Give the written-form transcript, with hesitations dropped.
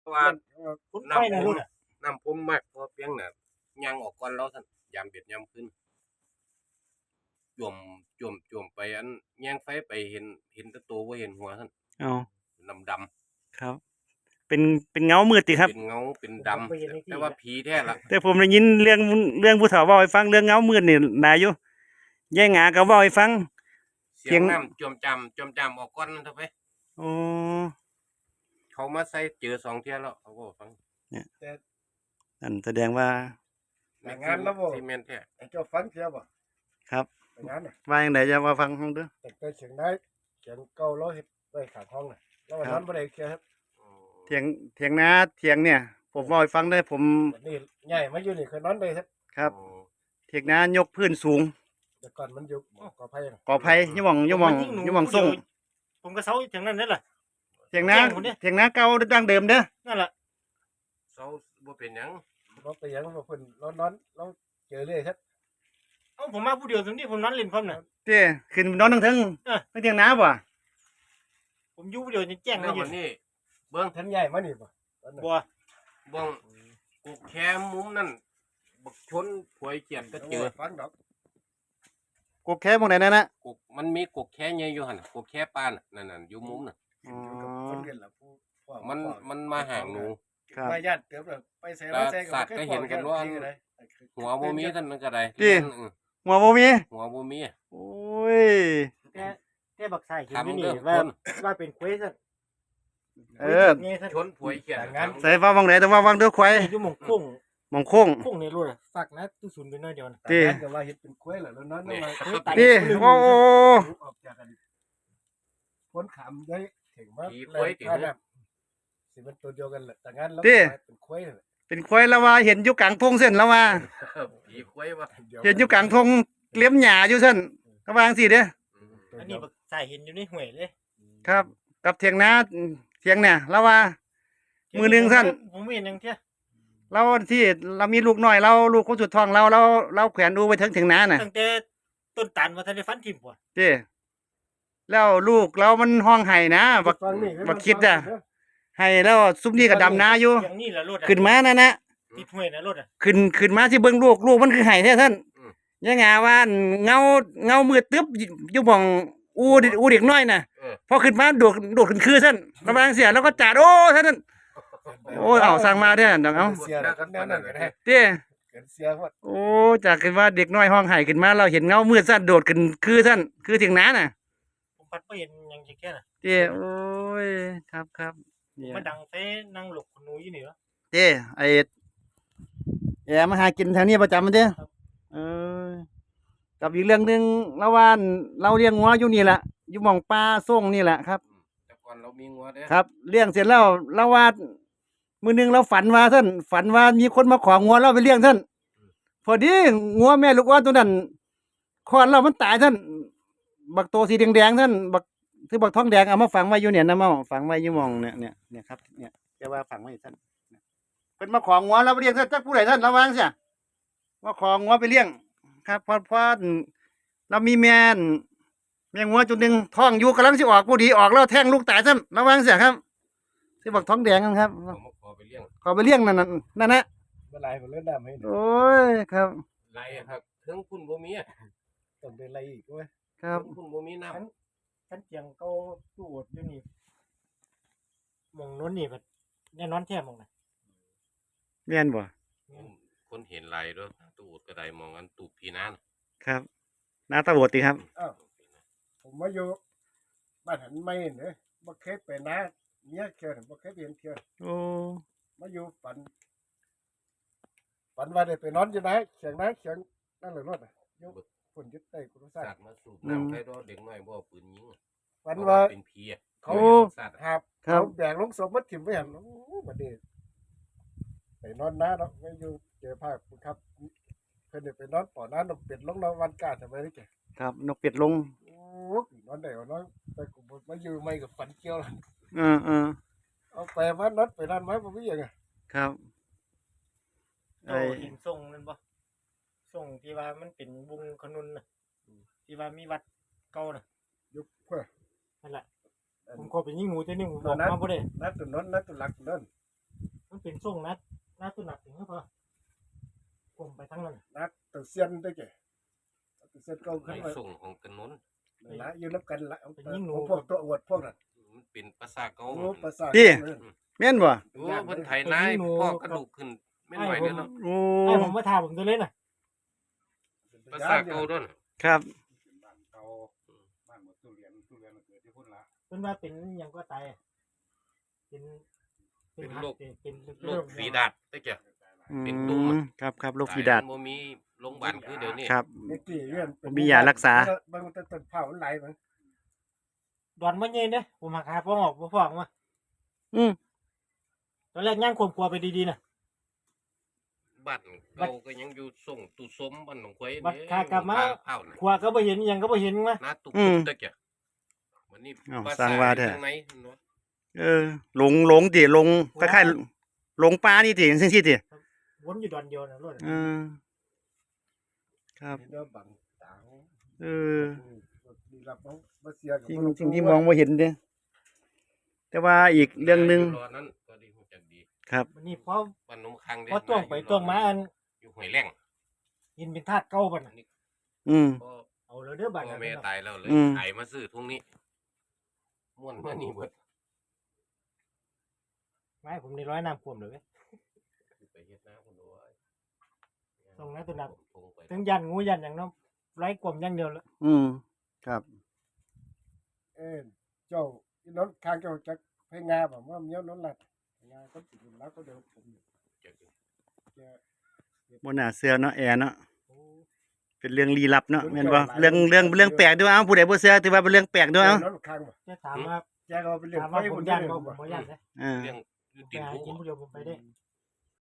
ว่าคุณไฟนะน้ำรุ่นอ่ะน้ำผมมากพอเพียงน่ะย่างออกก่อนแล้วท่านยามเบ็ดยามขึ้นจวมไปอันแย่งไฟไปเห็นแตะตัวบ่เห็นหัวท่านอ๋อดำครับ เป็นเงามืดติครับเป็นเงาเป็นดำแต่ว่าผีแท้ละแต่ผมได้ยินเรื่องผู้เฒ่าเว้าให้ฟังเรื่องเงามืดนี่หลายอยู่ยายหงาก็เว้าให้ฟังเสียงน้ำจวมจำออกก่อนนั่นเถอะไปอ๋อเขามาใส่เจอ2 เที่ยแล้วเขาก็ฟังนั่นแสดงว่าแต่งานแล้วบ่ซีเมนต์แท้ไอ้เจ้าฟังเสียบ่ครับแต่งานน่ะว่าจังไดจะมาฟังห้องเด้อแต่เสียงได้เสียงเก่าเราเฮ็ดไว้ข้างห้องน่ะแล้ววันนั้นบ่ได้เคลียร์ครับเถียงนาเถียงเนี่ย ผมเว้าให้ฟังได้ผมวันนี้ใหญ่มาอยู่นี่เคยนอนได้ครับครับ เถียงนายกพื้นสูงแต่ก่อนมันอยู่กอไผ่น่ะกอไผ่อยู่หม่องส่งผมก็เซาถึงนั้นนั่นแหละเถียงนาแจ้งผมดิเถียงนาเก่าดั้งเดิมเด้อนั่นแหละเสาบ่เป็นหยังบ่ไปหยังว่าเพิ่นนอนเราเจอเลยครับเอ้าผมมาผู้เดียวตรงนี้ผมนอนเล่นพร้อมน่ะเจ้ขึ้นนอนทั้งเออไม่เถียงนาบ่ผมอยู่ผู้เดียวจะแจ้งแล้ได้วอยู่วันนี้เบิ่งท่านใหญ่มานี่บ่ตอนนั้นบัวเบิ่งกุกแคมุมนั่นบักชนถวยเกียดก็เจอฟังดอกกกแค่หม่องใดนั่นน่ะกุกมันมีกุกแค่ใหญ่อยู่หั่นน่ะกุกแค่ปานน่ะนั่นอยู่มุมน่ะขึ้นอยู่กับคนเรียนล่ะผู้พ่อมันมาห่างหนูครับมาญาติเติบแล้วไปใส่มาใส่สัตว์ก็เห็นกันว่า หัวบ่มีท่านมันก็ได้ที่ หัวบ่มีหัวบ่มีโอ้ยแต่บักใส่เห็นอยู่ทำนี่เด้อว่าคนว่าเป็นเควสเออนี่ท่านชนถวยเกียดใส่ฟ้าวังไหนแต่ว่าวังเด้อควายอยู่หม่องคุ้งหม่องโค้งคุ้งในรุ่นอ่ะฝักนะตู้ศูนย์ไปน้อยเดียวนะที่ก็ว่าเฮ็ดเป็นคุ้ยแล้วนอนนี่มาที่โอ้ออกจากกันพ้นขามได้ถึงว่าผีคุ้ยติสิมันตัวเดียวกันแหละแต่งั้นแล้วเป็นคุ้ยเป็นควายแล้วว่าเห็นอยู่กลางทงเส้นแล้วว่าผีคุ้ยว่าเห็นอยู่กลางทงเลี้ยมหญ้าอยู่เส้นก็วาจั่งสิเด้ออันนี้บักใส่เห็นอยู่ในห้วยเลยครับ กับเถียงนาเถียงเนี่ยแล้วว่า มือหนึ่งท่านผมไม่เห็นอย่างเที่ยเราที่เรามีลูกน้อยเราลูกคนสุดท้องเราแขวนดูไว้ถึงนาน่ะตั้งแต่ต้นตาลมาทันได้ฟันทิ่มบ่เจ้แล้วลูกเรามันห้องไห้นะบักคิดอ่ะให้แล้วซุมนี้ก็ดำนาอยู่อย่างนี้แหละรถอะขึ้นมานั่นนะติดห้วยนะรถอ่ะขึ้นมาที่เบิ่งลูกมันคือไห้แท้ท่านยังไงว่าเงามืดตึ๊บอยู่หม่องอูเด็กน้อยน่ะพอขึ้นมาโดดขึ้นคือท่านระบางเสียแล้วก็จาดโอ้ท่านโอ้เอาสั่งมาเด้อเดี๋ยวเอาเสียแล้วก็แนวนั้นก็ได้เจ้เกินเสียหมดโอ้จากขึ้นว่าเด็กน้อยห้องไห้ขึ้นมาเราเห็นเงามืดท่านโดดขึ้นคือท่านคือเถียงนาน่ะผมพัดไม่เห็นอย่างแค่น่ะเจ้โอ้ยครับเนี่ยมันดังเฟ้นั่งหลบคนนู้นอยู่นี่เหรอเจ้ไอ้แอมาหากินแถวนี้ประจำมันเด้อเออกับอีกเรื่องหนึงแล้วว่าเราเลี้ยงงัวอยู่นี่แหละอยู่หม่องปลาส่งนี่แหละครับแต่ก่อนเรามีงัวเด้อครับเลี้ยงเสร็จแล้วเราว่ามื้อหนึงเราฝันว่ามีคนมาของงัวเราไปเลี้ยงท่านพอดีงัวแม่ลูกอ่อนตัวนั้นคลอดแล้วมันตายท่านบักโตสีแดงๆท่านบักคือบักทองแดงเอามาฝังไว้อยู่เนี่ยนะเมาฝังไว้อยู่หม่องเนี่ยครับเนี่ยแกว่าฝังไว้ท่านเพิ่นมาของงัวเราไปเลี้ยงท่านจักผู้ใดท่านระวังเสียว่าของงัวไปเลี้ยงครับพอเรามีแม่งัวจุดหนึ่งท้องอยู่กำลังสิออกผู้ดีออกแล้วแทงลูกตายท่านระวังเสียครับที่บักท้องแดงนั่นครับผมมาขอไปเลี้ยงขอไปเลี้ยงนั่นนะเมื่อไรผมเล่นน้ำให้โอ้ยครับไรครับถึงคุณบ่มีอะต้องเป็นไรอีกด้วยครับถึงคุณบ่มีน้ำฉันเจียงเก็ตู้อดอยู่นี่มองโน้นนี่แบบแน่นอนแท้มองนะแม่นบ่คนเห็นไรด้วยตูดก็ได้มองกันตูดพีนานครับหน้าตาโบดติครับผมมาอยู่บ้านหันไม่เนี่ยบ่เคยไปนะเมียเคียวบ่เคยเรียนเคียวโอ้มาอยู่ฝันว่าได้ไปนอนอยู่ไหนเสียงนั่นเลยรถยกฝนยึดใต้กุศลสัตว์มาสูบน้ำใครดอเด็กน้อยบ่ปืนยิงฝันว่าเป็นผีอะเขาสัตว์หาบครับเขาแบกลงศพมาถิ่มไว้หันโอ้บัดนี้ไปนอนน้าเนาะไม่อยู่เจอภาพครับเพิ่นได้ไปนอนป่อน้านเป็ดลงนอนวันกาทำไมนี่แกครับนกเป็ดลงโอ้นอนได้นอนแต่กูมาอยู่ไม่กับฝันเกี่ยวแล้ว เอาไปว่านอนไปนั่นไหมบ่มีหยังครับโตเห็นส่งนั่นบ่ส่งที่ว่ามันเป็นวงขนุนน่ะที่ว่ามีวัดเก่าน่ะยุคเพื่อนั่นแหละผมขอไปยิงงูตัวนี้ผมบอกมาบ่ได้นัดตุนนนัดตุลักนั่นมันเป็นทรงนัดตัวหนักถึงพอผมไปทั้งนั้นนักตัวเซียนได้แก่ตัวเซียนเก่าในขึ้นมาส่งของถนนละอยู่นับกันละเป็นยิ่งหนูพวกตัวอวดพวกนั้นมันเป็นภาษาเก่าโอ้ภาษาแม่นบ่โอ้เพิ่นไถนายพ่อกระดูกขึ้นไม่ไหวเด้อเนาะโอ้ไอ้ผมมาถามผมตัวเล่นน่ะภาษาเก่าเด้อครับบ้านเก่าบ้านหมดตู้เรียนเกิดที่พุ่นละเป็นว่าเป็นหยังก็ตายเป็นเป็นโรคฝีดาษได้จ้ะอืเป็นตุ่มมอะครับโรคฝีดาษบ่มีโรงพยาบาลคือเดี๋ยวนี้ครับเด็กที่เรียนมียารักษาบางต้นเผาไหลมันดอนมันเย็นเด้ผมหักหาพ่อออกพ่อออกมาอืมตอนแรกย่างควบครัวไปดีๆนะบ้านเก่าก็ยังอยู่ส่งตุสมบ้านหนองควายบัดขากลับมาเผาน่ะครัวก็บ่เห็นหยังก็บ่เห็นมานาตุกได้จ้ะวันนี้อ้าวภาสร้าษางว่าแท้ทางไหนเนาะหลงติหลงคล้ายๆหลงป่านี่ติจังซี่ติวนอยู่ดอนเดียวนะรถครับเดี๋ยวบังตา มีรับมาเสียกับสิ่งที่มองบ่เห็นเด้แต่ว่าอีกเรื่องหนึงรอนั้นก็ดีฮู้จักดีครับวันนี้พอบ้านหนองคังเด้พอจ้วงไปจ้วงมาอันอยู่ห้วยแรงกินเป็นธาตุเก่าบัดน่ะอืมก็เอาแล้วเด้อบัดพ่อนั้นแม่ตายแล้วเลยอืมขายมาซื้อทุ่งนี้ม่วนมานี่เบิดไม่ผมนี่ร้อยน้ำท่วมเลยเว้ยไปเฮ็ดนาคนดูไว้ส่งนะตัวหนักทงไปถึงยันงูยันอย่างน้ำไร้กลมอย่างเดียวละอืมครับเจ้าอีน้องข้างเจ้าจักให้งาแบบว่าเมี้ยวน้องหลัดงาก็ติดแล้วก็เดี๋ยวผมแกบ่น่าเชื่อเนาะแอร์เนาะเป็นเรื่องลี้ลับเนาะแม่นบ่เรื่องแปลกด้วยเอ้าผู้ใดบ่เชื่อถือว่าเป็นเรื่องแปลกด้วยเอ้าน้องข้างบ่จะถามว่าแกก็เป็นเรื่องถามไฟว่าผผม มยัยันนบ่บ่ผมบ่ยันนะอ่าเรื่องอยู่ไปติดหาหูกินผู้เดียวผมไปได้